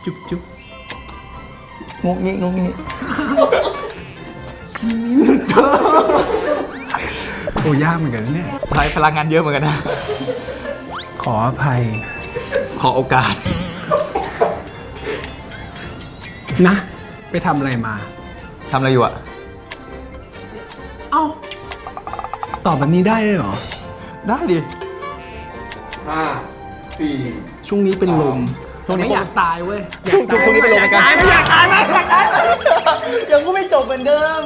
จุ๊บจุ๊บงุกงี้งุกงี้โอ้ยากเหมือนกันนะเนี่ยใช้พลังงานเยอะเหมือนกันนะขออภัยขอโอกาสนะ ไปทำอะไรมาทำอะไรอยู่อะเอ้า ตอบแบบนี้ได้เลยเหรอได้ดิช่วงนี้เป็นลมช่วงนี้ไม่อยากตายเว้ยช่วงนี้เป็นลมเหมือนกันไม่อยากตายไม่อยากตายยังก็ไม่จบเหมือนเดิม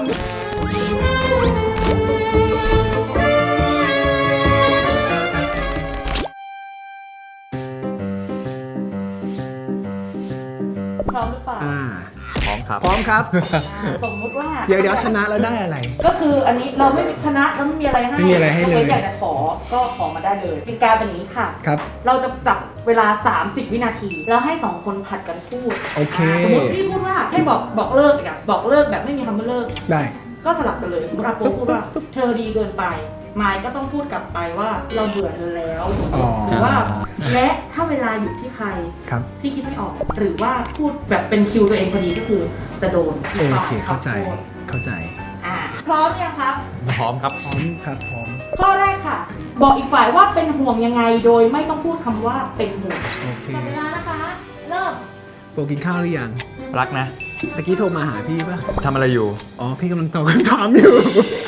พร้อมหรือเปล่าพร้อมครับพร้อมครับสมมุติว่าเดี๋ยวชนะแล้วได้อะไรก็คืออันนี้เราไม่ชนะแล้วไม่มีอะไรให้ไม่มีอะไรให้เลยกว้นอยากจะขอก็ขอมาได้เลยกติกาเป็นอย่างนี้ค่ะครับเราจะจับเวลา 30 วินาที แล้วให้ 2 คนผัดกันพูดโอเคสมมติพี่พูดว่าให้บอกเลิกอ่ะบอกเลิกแบบไม่มีคำว่าเลิกได้ก็สลับกันเลย สมมติอาโปพูดว่าเธอดีเกินไปมายก็ต้องพูดกลับไปว่าเราเบื่อเธอแล้วอ๋อหรือว่าและถ้าเวลาอยู่ที่ใครครับที่คิดไม่ออก หรือว่าพูดแบบเป็นคิวตัวเองพอดีก็คือจะโดนอีกโอฝ่ายเค เข้าใจทำโทษเข้าใจพร้อมยังครับพร้อมครับพร้อมครับ พร้อมข้อแรกค่ะ บอกอีกฝ่ายว่าเป็นห่วงยังไงโดยไม่ต้องพูดคำว่าเป็นห่วงโอเคหมดเวลานะคะ เริ่มโปรกินข้าวหรือยังรักนะตะกี้โทรมาหาพี่ป่ะทำอะไรอยู่อ๋อ พี่กำลังตอบคำถามอยู่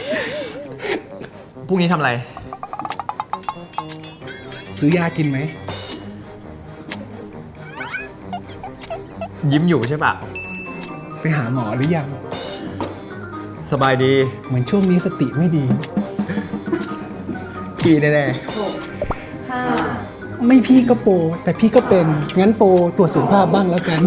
พรุ่งนี้ทำอะไรซื้อยากินไหมยิ้มอยู่ใช่ปะไปหาหมอหรือยังสบายดีเหมือนช่วงนี้สติไม่ดีพี่แน่หกห้าไม่พี่ก็โปรแต่พี่ก็เป็น งั้นโปรตรวจสุขภาพบ้างแล้วกัน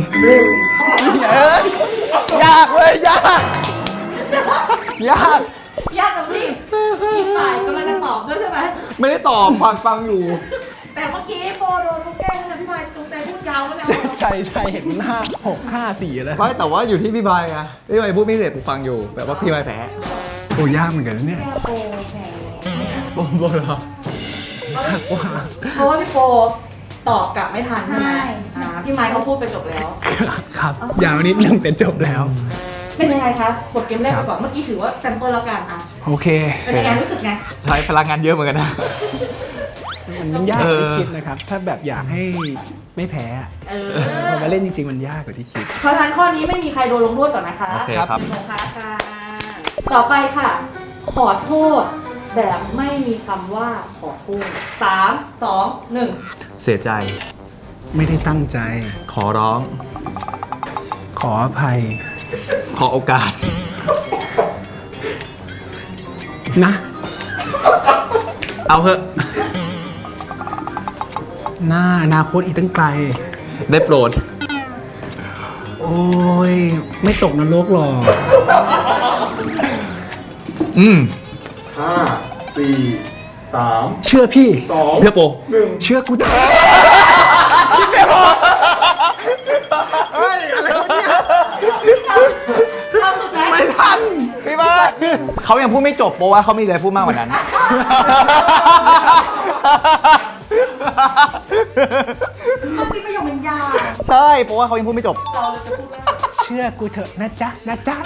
ๆยากเว้ยยาก ยากยากจังพี่อีกฝ่ายกำลังจะตอบด้วยใช่ไหมไม่ได้ตอบฟังอยู่แต่เมื่อกี้โปโดนลูกแก้วนะพี่พลอยตรงใจพูดยาวแล้วเนี่ยใช่เห็นหน้า6 5 4แล้วไม่แต่ว่าอยู่ที่พี่บายไงพี่บายพูดไม่เสร็จกูฟังอยู่ แบบว่าพี่บายแพ้โอ้ยากเหมือนกันนะเนี่ยแก้วโปแหมบนบนเหรอเพราะว่าพี่โปตอบกลับไม่ทันใช่ไหมพี่ไม้เขาพูดไปจบแล้วครับ ยาวนิดนึงแต่จบแล้วเป็นยังไงคะบทเกมแรกไปก่อนเมื่อกี้ถือว่าแซมเปิลแล้วกันอ่ะโอเคเป็นยังไงรู้สึกไงใช้พลังงานเยอะเหมือนกันนะมันยากกว่าที่คิดนะครับ ถ้าแบบอยากให้ไม่แพ้อะเออพอมาเล่นจริงๆ มันยากกว่าที่คิดเพราะฉะนั้นข้อนี้ไม่มีใครโดนลงโทษก่อนนะคะโอเคครับโอเคค่ะต่อไปค่ะ ขอโทษแบบไม่มีคำว่าขอโทษ3 2 1 เสียใจไม่ได้ตั้งใจขอร้องขออภัยขอโอกาสนะเอาเถอะหน้าอนาคตอีกตั้งไกลได้โปรดโอ้ย ไม่ตกนรกหรอกอืมห้าสี่สามเชื่อพี่สองเพื่อโปรหนึ่งเชื่อกูเถอะเฮ้ย อะไรวะเนี่ยเอาสุดแล้วไม่ทันพี่บายเขายังพูดไม่จบเพราะว่าเขามีอะไรพูดมากกว่านั้นมันจริงประโยคมันยาวใช่เพราะว่าเขายังพูดไม่จบเราเลยจะพูดว่าเชื่อกูเถอะนะจ๊ะ นะจ๊ะ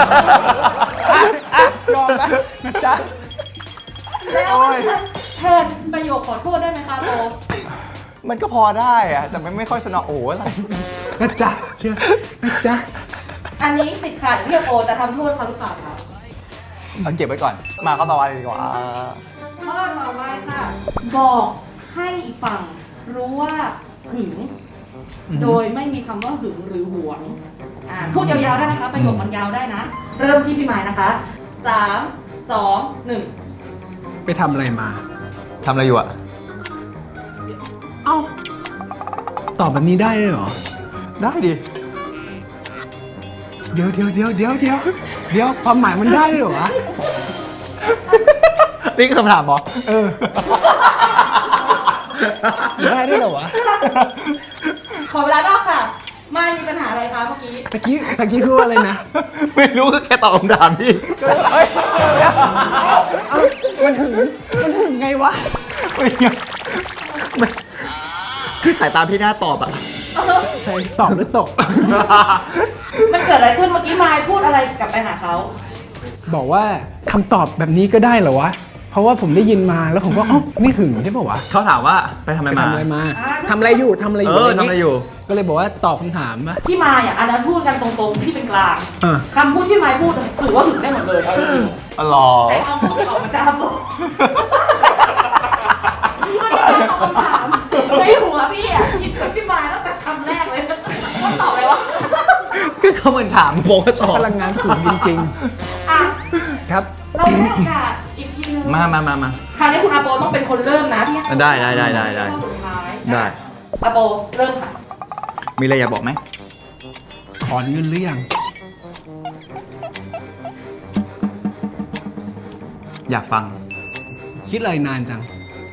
ยอมแล้วนะจ๊ะแล้วแทนประโยคขอโทษได้ไหมคะโปมันก็พอได้อะแต่มันไม่ค่อยสนอโอ้อะไรนะจ๊ะ เชื่อ นะจ๊ะอันนี้สิทธิ์ขาดที่โปจะทำโทษเขาหรือเปล่าคะเอาเก็บไว้ก่อน มาข้อต่อไปดีกว่าข้อต่อไปค่ะ บอกให้อีกฝั่งรู้ว่าหึง โดยไม่มีคำว่าหึงหรือหวงพูดยาวๆได้นะคะ ประโยคมันยาวได้นะ เริ่มที่พี่หมายนะคะ3 2 1 ไปทำอะไรมาทำอะไรอยู่อะเอ้า ตอบแบบนี้ได้เลยเหรอได้ดิเดี๋ยวความหมายมันได้เลยเหรอวะนี่คือคำถามเหรอเออ ได้ด้วยเหรอวะขอเวลานอกค่ะ ไม่มีปัญหาอะไรคะเมื่อกี้ตะกี้คือว่าอะไรนะไม่รู้ก็แค่ตอบคำถามพี่เฮ้ยเอ้ามันถึงไงวะไม่ไงคือสายตาพี่หน้าตอบอะตใช่ตอบหรือตกมันเกิดอะไรขึ้นเมื่อกี้มายพูดอะไรกลับไปหาเขาบอกว่าคำตอบแบบนี้ก็ได้เหรอวะ เพราะว่าผมได้ยินมาแล้วผมก็ไม่หึงใช่ป่าวะเขาถามว่าไปทำอะไรไปมาทำอะไรมาทำอะไรอยู่ทำอะไรอยู่ทำอะไรอยู่ก็เลยบอกว่าตอบคำถามปะพี่มายอ่ะอันนั้นพูดกันตรงๆที่เป็นกลางอ่ะคำพูดที่มายพูดสื่อว่าหึงได้หมดเลยเอาจริงอ๋อเหรอๆแต่คำพูดที่ออกมาจากบอกตอบคำถามในหัวพี่อ่ะคิดกับพี่มายตั้งแต่คำแรกเลยว่าตอบอะไรวะก็เขาเหมือนถามโบก็ตอบพลังงานสูงจริงอ่ะๆ ครับเราให้โอกาสอีกทีนึงมาคราวนี้คุณอาโปต้องเป็นคนเริ่มนะที่ได้สุดท้ายได้อาโปเริ่มค่ะมีอะไรอยากบอกไหมถอนเงินหรือยังอยากฟังคิดอะไรนานจัง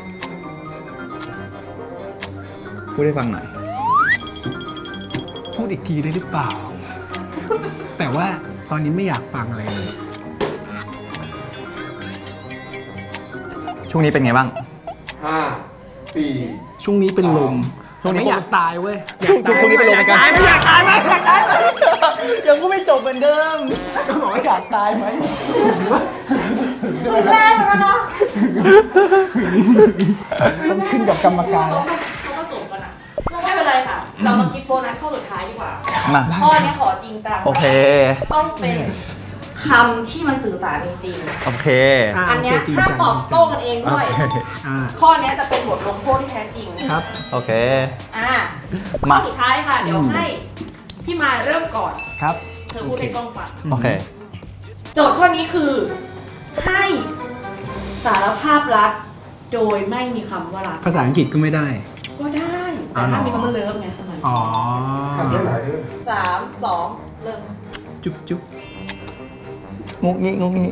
พูดให้ฟังหน่อยพูดอีกทีได้หรือเปล่า แต่ว่าตอนนี้ไม่อยากฟังอะไรเลยช่วงนี้เป็นไงบ้าง 5 4 ช่วงนี้เป็นลมช่วงนี้ไม่อยากตายเว้ยช่วงนี้เป็นลมเหมือนกันไม่อยากตายไหมอยากตายไหมยังก็ไม่จบเหมือนเดิมก็บอกว่าอยากตายไหมคือแรกเหมือนกันเนาะต้องขึ้นกับกรรมการแล้วเขาผสมกันอ่ะไม่เป็นไรค่ะ เรามาคิดโบนัสข้อสุดท้ายดีกว่ามาข้อนี้ขอจริงจังโอเคต้องเป็นคำที่มันสื่อสารจริงโอเคๆอันเนี้ยห้ามตอบโต้กันเองด้วยอ่าข้อเนี้ยจะเป็นบทลงโทษที่แท้จริงครับโอเคอ่ามาข้อสุดท้ายค่ะ เดี๋ยวให้พี่มายเริ่มก่อนครับเธอพูดให้กล้องฟังโอเคโจทย์ข้อนี้คือ ให้สารภาพรักโดยไม่มีคำว่ารักภาษาอังกฤษก็ไม่ได้ก็ได้ แต่ถ้ามีคำว่าเลิฟไงเท่านั้นอ๋อทำได้หลายเรื่อง 3 2 เริ่มจุ๊บจุ๊บงุกงี้งุกงี้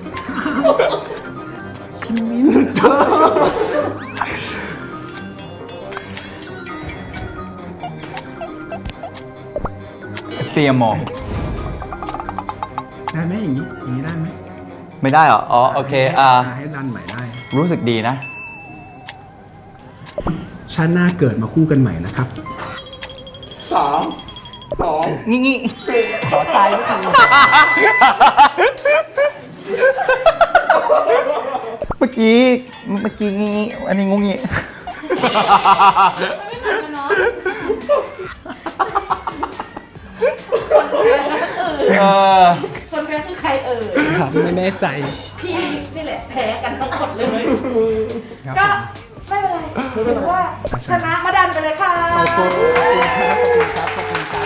เตรียมมองได้ไหมอย่างนี้ได้ไหมไม่ได้เหรอ อ๋อ โอเคให้รันใหม่ได้รู้สึกดีนะชาติหน้าเกิดมาคู่กันใหม่นะครับ 3 2 งี้งี้ขอตายไม่ทันเมื่อกี้งี้อันนี้งุกงี้ไม่เหมือนกันเนาะคนแพ้คือใครเอ่ยครับไม่แน่ใจพี่นี่แหละแพ้กันทั้งหมดเลย ก็ไม่เป็นไรถือว่าชนะมาดันไปเลยค่ะขอบคุณครับ ขอบคุณครับ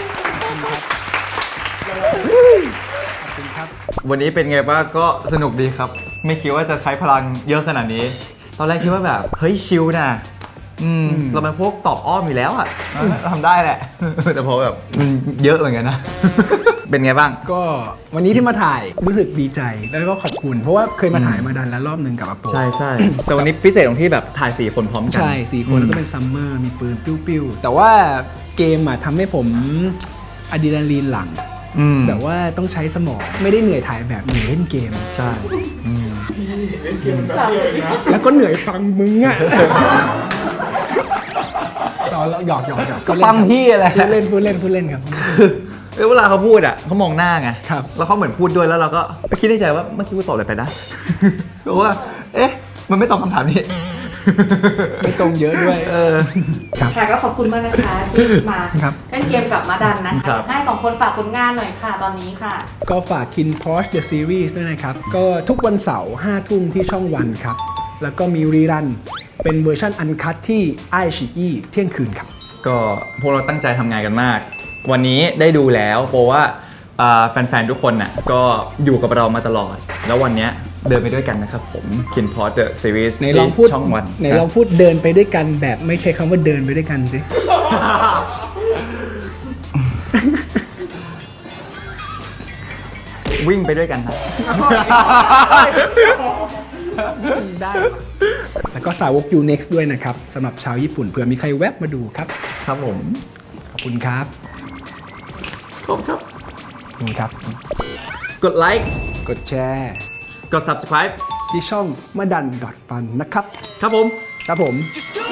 วันนี้เป็นไงบ้างก็สนุกดีครับ ไม่คิดว่าจะใช้พลังเยอะขนาดนี้ ตอนแรกคิดว่าแบบ เฮ้ยชิลนะเราเป็นพวกตอบอ้อมอยู่แล้วอะทำได้แหละ แต่พอแบบมันเยอะเหมือนกันนะ เป็นไงบ้างก็วันนี้ที่มาถ่ายรู้สึกดีใจแล้วก็ขอบคุณ เพราะว่าเคยมาถ่ายมาดันแล้วรอบหนึ่งกับอาโปใช่ แต่วันนี้พิเศษตรงที่แบบถ่าย4คนพร้อมกันใช่4 คนแล้วก็เป็นซัมเมอร์มีปืนปิ้วๆ แต่ว่าเกมอ่ะทำให้ผมอะดรีนาลีนหลั่ง แบบว่าต้องใช้สมองไม่ได้เหนื่อยถ่ายแบบเหนื่อยเล่นเกมใช่แล้วก็เหนื่อยฟังมึงอ่ะเราหยอกก็ฟังพี่อะไรพูดเล่นครับเวลาเขาพูดอ่ะเขามองหน้าไงครับแล้วเขาเหมือนพูดด้วยแล้วเราก็คิดในใจว่าเมื่อกี้กูตอบอะไรไปนะ เพราะว่า เอ๊ะ มันไม่ตอบคำถามนี้ไม่ตรงเยอะด้วยครับค่ะก็ขอบคุณมากนะคะที่มาครับเล่นเกมกับมาดันนะครัคะบให้2 คนฝากผลงานหน่อยค่ะตอนนี้ค่ะก็ฝาก Kin Porsche The Series ด้วยนะครับ ก็ทุกวันเสาร์5 ทุ่มที่ช่องวันครับ แล้วก็มีรีรันเป็นเวอร์ชันอันคัตที่ไอชีอีเที่ยงคืนครับก็พวกเราตั้งใจทำงานกันมาก วันนี้ได้ดูแล้วเพราะว่าแฟนๆ ทุกคนน่ะก็อยู่กับเรามาตลอด แล้ววันเนี้ยเดินไปด้วยกันนะครับผม Kin Porsche The Series ในลองพูดที่ช่องวันในลองพูดเดินไปด้วยกันแบบไม่ใช่คำว่าเดินไปด้วยกันสิวิ่งไปด้วยกันนะได้ แล้วก็สาวก U Next ด้วยนะครับสำหรับชาวญี่ปุ่นเผื่อมีใครแวบมาดูครับครับผมขอบคุณครับขอบครับขอบคุณครับกดไลค์กดแชร์กด subscribe ที่ช่องมาดันดอทฟันนะครับครับผมครับผม Just do